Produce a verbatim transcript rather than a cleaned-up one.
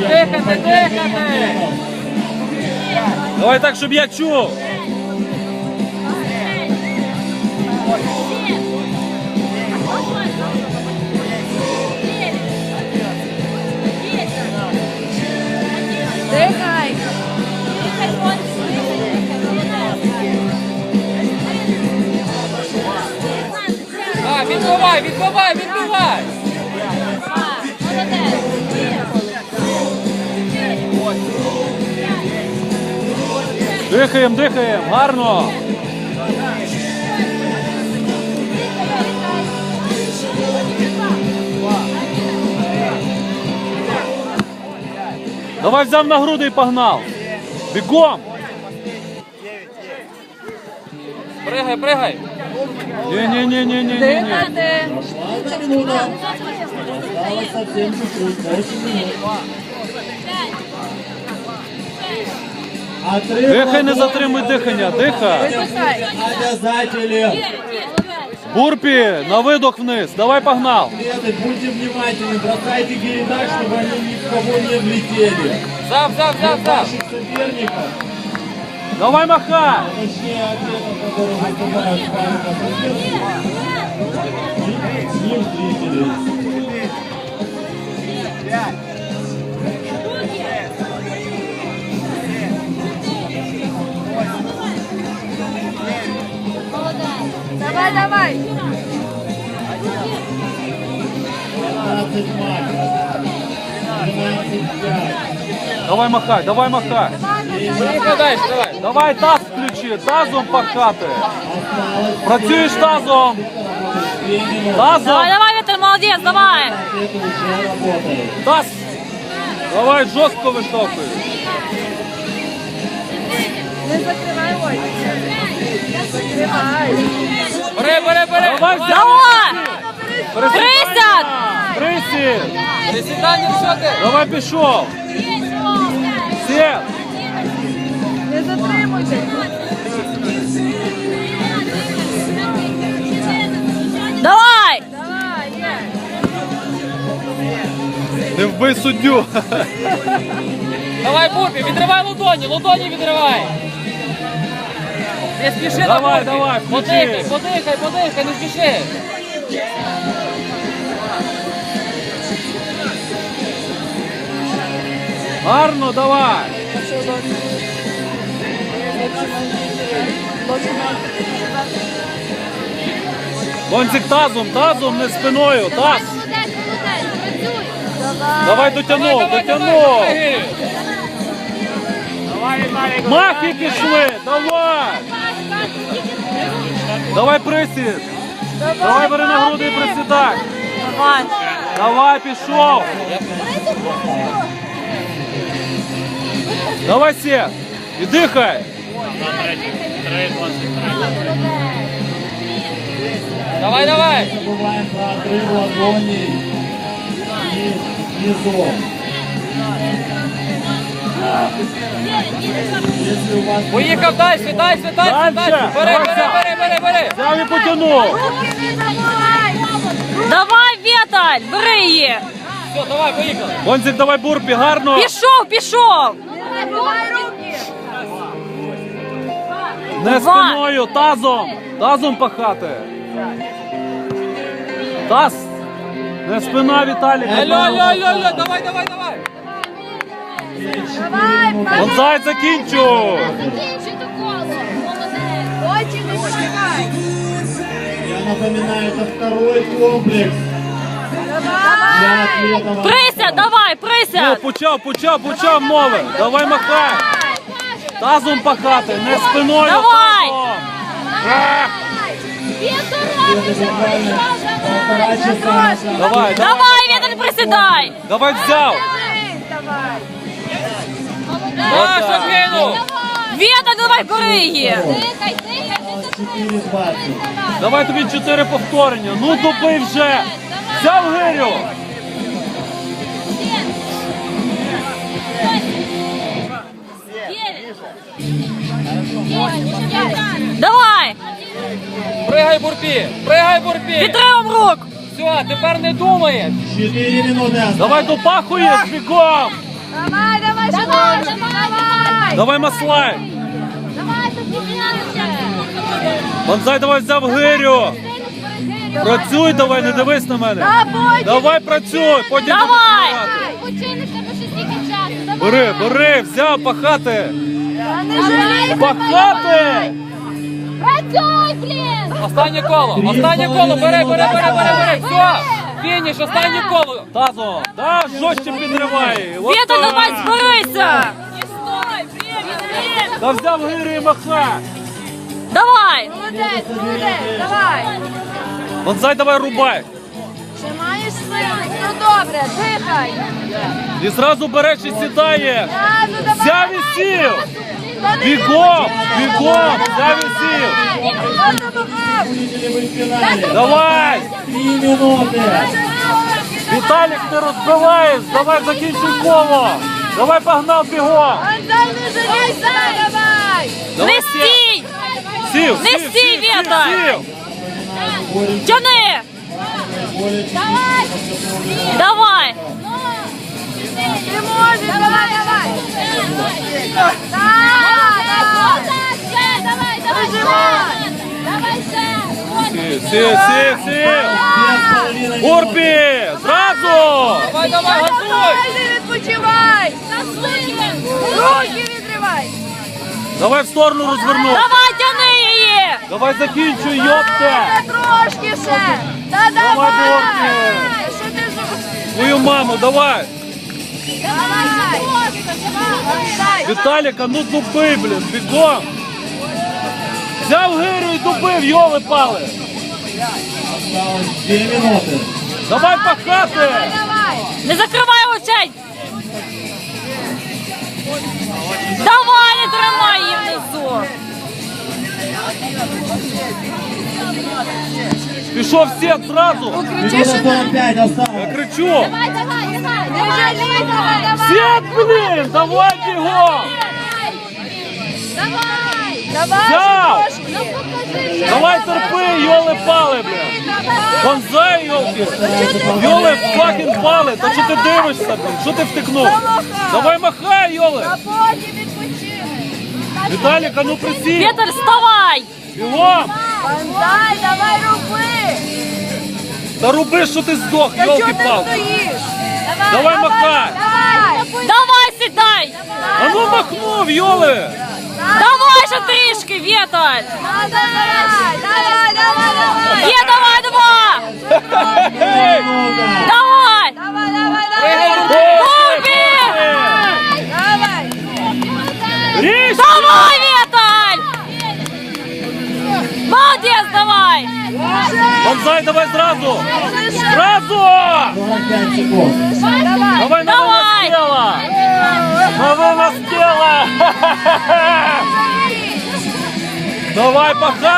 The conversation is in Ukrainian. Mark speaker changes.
Speaker 1: дихати, дихати.
Speaker 2: Давай так, щоб я чув.
Speaker 3: Дихай.
Speaker 1: Так, відбивай, відбивай, відбивай.
Speaker 2: Дихаємо, дихаємо, гарно. Давай взяв на груди і погнав. Бігом.
Speaker 1: Пригай, пригай.
Speaker 2: Ні-ні-ні-ні-ні-ні.
Speaker 3: Дихати.
Speaker 4: Одна минута. Осталось совсем чуть-чуть. восемь минут. Отрыв
Speaker 2: Дихай, не
Speaker 4: ладони.
Speaker 2: затримуй дихання, дихай.
Speaker 3: Випускай.
Speaker 4: Обязательно.
Speaker 2: Бурпі, на видох вниз. Давай погнав.
Speaker 4: Атлеты, будьте внимательны, бросайте гири так, чтобы они ни в кого не влетели.
Speaker 1: Взяв, взяв, взяв, взяв.
Speaker 4: Ваших соперников,
Speaker 2: Давай махай.
Speaker 4: точнее атлетов, которые выступают в паре по соседству, с ним зрители.
Speaker 3: Давай, давай.
Speaker 4: двенадцать матч. двенадцать пять.
Speaker 2: Давай махай, давай махай.
Speaker 1: Поїхали далі, давай.
Speaker 2: Давай таз включи, тазом пахати.
Speaker 4: Осталось
Speaker 2: Працюєш тазом.
Speaker 4: две минуты.
Speaker 2: Тазом.
Speaker 5: Давай, давай, Віталь, молодець, давай!
Speaker 4: Атлеты уже работают.
Speaker 2: Таз. Давай жорстко виштовхуй.
Speaker 3: Не закривай очі. Закривай.
Speaker 1: Бери, бери, бери.
Speaker 2: Давай взяв.
Speaker 5: Давай!
Speaker 2: Присядь.
Speaker 5: Присядь!
Speaker 2: Присідь.
Speaker 1: Присідання, що ти?
Speaker 2: Давай пішов. Сів.
Speaker 3: Не затримуйте.
Speaker 5: Давай!
Speaker 3: Давай, є.
Speaker 2: Не вбий суддю.
Speaker 1: Давай, Бурпі, відривай ладоні, ладоні відривай. Не спіши на
Speaker 2: Давай,
Speaker 1: Бурпі.
Speaker 2: давай, включи.
Speaker 1: Подихай, подихай, подихай, не спіши.
Speaker 2: Гарно, давай. Бонцик тазом, тазом, не спиною. Таз. Давай дотягнув, дотягнув. Махи пішли, давай. Давай присід. Давай бери на груди і присідай.
Speaker 5: Давай!
Speaker 2: Давай, пішов. Давай сє. І дихай.
Speaker 1: Давай, давай.
Speaker 4: Не забываем про отрыв ладоней и низов. Если у вас
Speaker 1: Поїхав далі, далі, далі, далі. Бери, бери, бери, бери, бери.
Speaker 2: Взяв і потягнув.
Speaker 5: Давай, Віталь, бери її!
Speaker 1: Все, давай, поїхали.
Speaker 2: Бонцик, давай бурпі, гарно.
Speaker 5: Пішов, пішов!
Speaker 3: Давай руки.
Speaker 2: Не спиною, тазом. Тазом пахати. Таз. Не спина, Віталік.
Speaker 1: Алло, алло, алло, алло, давай, давай, давай.
Speaker 3: Давай,
Speaker 2: Бонзай, закінчу.
Speaker 3: закінчуйте коло. Очі не закривай.
Speaker 4: Я напоминаю, это второй комплекс
Speaker 3: Давай.
Speaker 4: для атлетов.
Speaker 5: Присядь, давай,
Speaker 2: Ну,
Speaker 5: присядь!
Speaker 2: почав, почав, почав мови. Давай махай. Тазом пахати, не спиною.
Speaker 5: Давай.
Speaker 2: Тазом. Е,
Speaker 4: Это буквально полтора часа назад.
Speaker 2: Давай, давай.
Speaker 5: Давай, Віталь, присідай!
Speaker 2: Давай взяв.
Speaker 3: Давай.
Speaker 1: Наша кинув.
Speaker 5: Віталь, давай, бери її!
Speaker 4: четыре двадцать.
Speaker 2: Давай тобі чотири повторення. Ну, добий вже. Взяв гирю.
Speaker 5: Давай!
Speaker 1: Пригай, Бурпі, пригай, Бурпі.
Speaker 5: Підтримуємо рук!
Speaker 1: Все, тепер не думаєш.
Speaker 4: четыре минуты осталось.
Speaker 2: Давай допахуєш бігом.
Speaker 3: Давай, давай, давай, давай.
Speaker 2: Давай маслай.
Speaker 3: Давай,
Speaker 2: Бонзай, давай взяв гирю. Працюй, давай, не дивись на мене. Давай працюй, потім
Speaker 5: Давай.
Speaker 2: будеш
Speaker 3: Почини, в тебе ще стільки часу. Давай.
Speaker 2: Бери, бери, взяв пахати.
Speaker 3: Не жалій.
Speaker 2: Пахати!
Speaker 3: Працюй, блін.
Speaker 1: Останнє коло, останнє коло, бери, бери, бери, бери, бери. Все, фініш, останнє коло.
Speaker 2: Тазом, да, жорстче підривай. От
Speaker 5: Віта,
Speaker 2: так.
Speaker 5: давай, зберися.
Speaker 2: Та взяв гирю і маха.
Speaker 5: Давай.
Speaker 3: Молодець, молодець, давай.
Speaker 2: Бонзай, давай рубай.
Speaker 3: Ще маєш сили. Ну добре, дихай.
Speaker 2: І зразу береш і сідає.
Speaker 3: Разу давай.
Speaker 2: Взяв і сів.
Speaker 3: Та не
Speaker 2: Бігом,
Speaker 3: можна.
Speaker 2: бігом, взяв і сів.
Speaker 3: Бігом допомагав.
Speaker 4: Победители в финале.
Speaker 2: Давай.
Speaker 4: Три минуты.
Speaker 2: Віталік, ти розбиваєш, давай закінчуй коло. Давай погнав бігом.
Speaker 3: Антон, не жалійся, давай.
Speaker 2: Давай,
Speaker 5: Не стій.
Speaker 2: Сів,
Speaker 5: Не
Speaker 2: сів,
Speaker 5: стій,
Speaker 2: сів,
Speaker 5: Віта.
Speaker 2: сів.
Speaker 5: Тяни.
Speaker 3: Давай.
Speaker 5: Давай.
Speaker 3: Ти можеш, давай, давай. Так, давай. Давай, давай, давай. Давай ще.
Speaker 2: Сів, сів, сів, сів.
Speaker 4: Две с половиной
Speaker 2: Урбі, зразу.
Speaker 1: Давай, давай, газуй.
Speaker 3: Давай, не відпочивай. Руки відривай.
Speaker 2: Давай в сторону розвернув.
Speaker 5: Давай, тяни її.
Speaker 2: Давай закінчуй, йопте.
Speaker 3: Та трошки ще. Та
Speaker 2: Давай,
Speaker 3: давай.
Speaker 2: Борки.
Speaker 3: Що ти ж?
Speaker 2: Твою маму, давай.
Speaker 3: Давай. Давай.
Speaker 2: Віталіка, ну дуби, блін, бігом. Взяв гирю і дубив, йоли пали.
Speaker 4: Осталось две минуты.
Speaker 2: Давай пахати.
Speaker 3: Давай.
Speaker 5: Не закривай очей. Давай, не тримай її внизу.
Speaker 2: Пішов всіх зразу.
Speaker 4: Минута сорок пять осталось.
Speaker 2: Я кричу.
Speaker 3: Давай, давай, давай. Не жалій, давай, давай.
Speaker 2: Всіх, блін, давай бігом.
Speaker 3: Давай. Давай.
Speaker 2: Взяв.
Speaker 3: ще трошки. Ну, покажи.
Speaker 2: Давай терпи, йоли пали, блін. Бонзай, йолки. Йоли факін пали. Та що ти дивишся, блін? Що ти втикнув? Давай махай, йоли.
Speaker 3: А потім відпочинь.
Speaker 2: Віталіка, ну присій.
Speaker 5: Вітер, вставай.
Speaker 2: Бігом.
Speaker 3: Бандай, давай руби.
Speaker 2: Та роби, що ти здох,
Speaker 3: Та чого ти
Speaker 2: йолки-палки.
Speaker 3: стоїш?
Speaker 2: Давай махай.
Speaker 3: Давай.
Speaker 5: Давай, сідай.
Speaker 2: А ну махнув, йоли.
Speaker 5: Давай ще трішки, Віталь.
Speaker 3: Давай, давай, давай, давай.
Speaker 5: Є, давай, два.
Speaker 2: Ей!
Speaker 5: Давай.
Speaker 3: Давай, давай, давай.
Speaker 5: Урбі.
Speaker 3: Давай.
Speaker 2: Ріж!
Speaker 5: Давай, Віталь. Молодець, давай.
Speaker 2: Бонзай, давай зразу. Зразу!
Speaker 4: сорок пять секунд.
Speaker 3: Давай.
Speaker 2: Давай, на
Speaker 5: Давай.
Speaker 2: тіла. На вынос тела. Давай, пока.